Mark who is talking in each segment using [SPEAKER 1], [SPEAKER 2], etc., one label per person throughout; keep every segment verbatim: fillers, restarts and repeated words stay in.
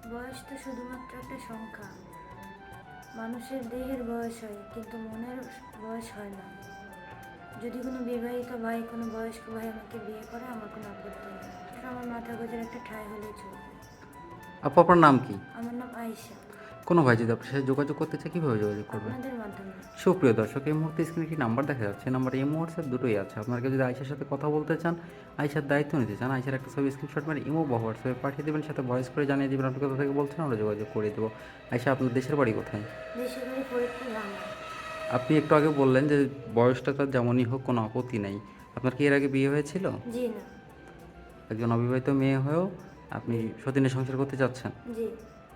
[SPEAKER 1] বয়স তো শুধুমাত্র একটা সংখ্যা। মানুষের দেহের বয়স হয়, কিন্তু মনের বয়স হয় না। যদি কোনো বিবাহিত ভাই, কোনো বয়স্ক ভাই আমাকে বিয়ে করে, আমার কোনো আপত্তি নেই। আমার মাথা গোজের একটা ঠাঁই হলেই চলবে।
[SPEAKER 2] আপু আপনার নাম কি?
[SPEAKER 1] আমার নাম আয়েশা।
[SPEAKER 2] কোনো ভাই যদি আপনার সাথে যোগাযোগ করতে চায় কীভাবে যোগাযোগ করবে?
[SPEAKER 1] আপনাদের মাধ্যমে।
[SPEAKER 2] সুপ্রিয় দর্শক, এই মুহূর্তে স্ক্রিনে একটি নাম্বার দেখা যাচ্ছে। নাম্বার ইমো হোয়াটসঅ্যাপ দুটোই আছে। আপনাকে যদি আয়েশার সাথে কথা বলতে চান, আয়েশার দায়িত্ব নিতে চান, আয়েশার একটা ছবি স্ক্রিনশট মানে ইমো বা হোয়াটসঅ্যাপে পাঠিয়ে দেবেন, সাথে ভয়েস করে জানিয়ে দেবেন আপনি কোথা থেকে বলছেন, আমরা যোগাযোগ করে দেবো। আয়েশা, আপনার দেশের বাড়ি কোথায়?
[SPEAKER 1] দেশের বাড়ি ফরিদপুর, বাংলা।
[SPEAKER 2] আপনি একটু আগে বললেন যে বয়সটা তার যেমনই হোক কোনো আপত্তি নাই। আপনার কি এর আগে বিয়ে হয়েছিল?
[SPEAKER 1] জি না।
[SPEAKER 2] একজন অবিবাহিত মেয়ে হয়েও আপনি সতীনের সংসার করতে চাচ্ছেন?
[SPEAKER 1] জি।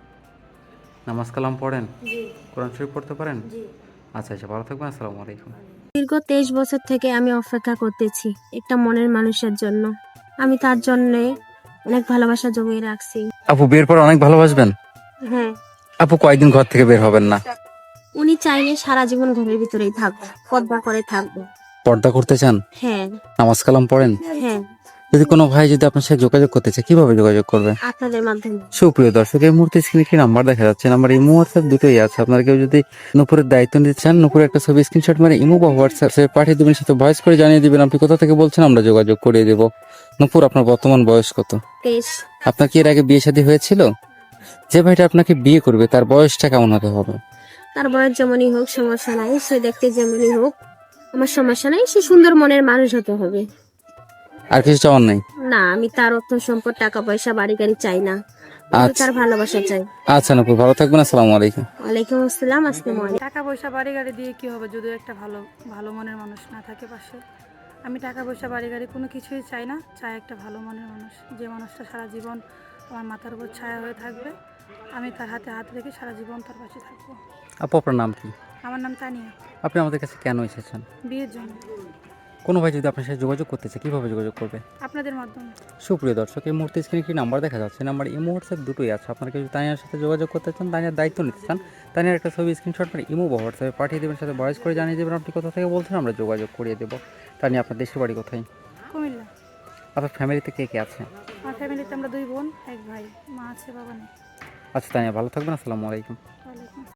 [SPEAKER 2] নামাজ কালাম পড়েন?
[SPEAKER 1] জি।
[SPEAKER 2] কোরআন শরীফ পড়তে পারেন?
[SPEAKER 1] জি।
[SPEAKER 2] আচ্ছা আচ্ছা, ভালো থাকবেন। আসসালামু আলাইকুম।
[SPEAKER 3] দীর্ঘ তেইশ বছর থেকে আমি অপেক্ষা করতেছি একটা মনের মানুষের জন্য। আমি তার জন্য অনেক ভালোবাসা জমিয়ে রাখছি।
[SPEAKER 2] আপু বিয়ের পর অনেক ভালোবাসবেন?
[SPEAKER 3] হ্যাঁ।
[SPEAKER 2] আপু কয়েকদিন ঘর থেকে বের হবেন না?
[SPEAKER 3] উনি চাইলে সারা জীবন ঘরের ভিতরেই থাকবো, পর্দা করে থাকবো।
[SPEAKER 2] পর্দা করতে চান?
[SPEAKER 3] হ্যাঁ।
[SPEAKER 2] নামাজ কালাম পড়েন?
[SPEAKER 3] হ্যাঁ।
[SPEAKER 2] যদি কোনো ভাই যদি আপনার সাথে যোগাযোগ করতে চায় কিভাবে যোগাযোগ করবে?
[SPEAKER 3] আপনাদের মাধ্যমে।
[SPEAKER 2] সুপ্রিয় দর্শক, এই মুহূর্তে স্ক্রিনে একটি নাম্বার দেখা যাচ্ছে। নাম্বার ইমো হোয়াটসঅ্যাপ দুটোই আছে। আপনারা কেউ যদি নুপুরের দায়িত্ব নিতে চান, নুপুরের একটা ছবি স্ক্রিনশট মানে ইমো বা হোয়াটসঅ্যাপে পাঠিয়ে দেবেন, সাথে ভয়েস করে জানিয়ে দিবেন আপনি কোথা থেকে বলছেন, আমরা যোগাযোগ করিয়ে দেবো। নুপুর, আপনার বর্তমান বয়স কত?
[SPEAKER 3] তেইশ।
[SPEAKER 2] আপনার কি এর আগে বিয়ে শাদী হয়েছিল? যে ভাইটা আপনাকে বিয়ে করবে তার বয়সটা কেমন হতে হবে?
[SPEAKER 3] তার বয়স যেমনই হোক সমস্যা নাই, সে দেখতে যেমনই হোক আমার সমস্যা নাই, সে সুন্দর মনের মানুষ হতে হবে।
[SPEAKER 2] আর কিছু চাওয়ার নাই?
[SPEAKER 3] না, আমি তার অর্থ সম্পদ, টাকা পয়সা, বাড়ি গাড়ি চাই না। আমি
[SPEAKER 2] আচ্ছা
[SPEAKER 3] তার ভালোবাসা চাই।
[SPEAKER 2] আচ্ছা নুপুর, ভালো থাকবেন। আসসালামু আলাইকুম।
[SPEAKER 3] ওয়ালাইকুম আসসালাম। আসসালামু আলাইকুম।
[SPEAKER 4] টাকা পয়সা বাড়ি গাড়ি দিয়ে কি হবে যদি একটা ভালো ভালো মনের মানুষ না থাকে পাশে? আমি টাকা পয়সা বাড়ি গাড়ি কোনো কিছুই চাই না, চাই একটা ভালো মনের মানুষ, যে মানুষটা সারা জীবন আমার মাথার উপর ছায়া হয়ে থাকবে। আমি তার হাতে হাত রেখে সারা জীবন তার পাশে থাকবো।
[SPEAKER 2] আপু আপনার নাম কি?
[SPEAKER 4] আমার নাম তানিয়া।
[SPEAKER 2] আপনি আমাদের কাছে কেন এসেছেন?
[SPEAKER 4] বিয়ের জন্য।
[SPEAKER 2] কোনো ভাই যদি আপনার সাথে যোগাযোগ করতে চায় কীভাবে যোগাযোগ করবে?
[SPEAKER 4] আপনাদের মাধ্যমে।
[SPEAKER 2] সুপ্রিয় দর্শক, এই মুহূর্তে স্ক্রিনে একটি নাম্বার দেখা যাচ্ছে। নাম্বার ইমো হোয়াটসঅ্যাপ দুটোই আছে। আপনারা যদি তানিয়ার সাথে যোগাযোগ করতে চান, তানিয়ার দায়িত্ব নিতে চান, তানিয়ার একটা ছবি স্ক্রিনশট মানে ইমো বা হোয়াটসঅ্যাপে পাঠিয়ে দেবেন, সাথে ভয়েস করে জানিয়ে দেবেন আপনি কোথা থেকে বলছেন, আমরা যোগাযোগ করিয়ে দেবো। তানিয়া, আপনার দেশের বাড়ি কোথায়?
[SPEAKER 4] কুমিল্লা।
[SPEAKER 2] আপনার ফ্যামিলিতে কে কে আছে?
[SPEAKER 4] আমার ফ্যামিলিতে আমরা দুই বোন, এক ভাই, মা আছে, বাবা নেই।
[SPEAKER 2] আচ্ছা তানিয়া, ভালো থাকবেন। আসসালামু আলাইকুম।
[SPEAKER 4] ওয়ালাইকুম।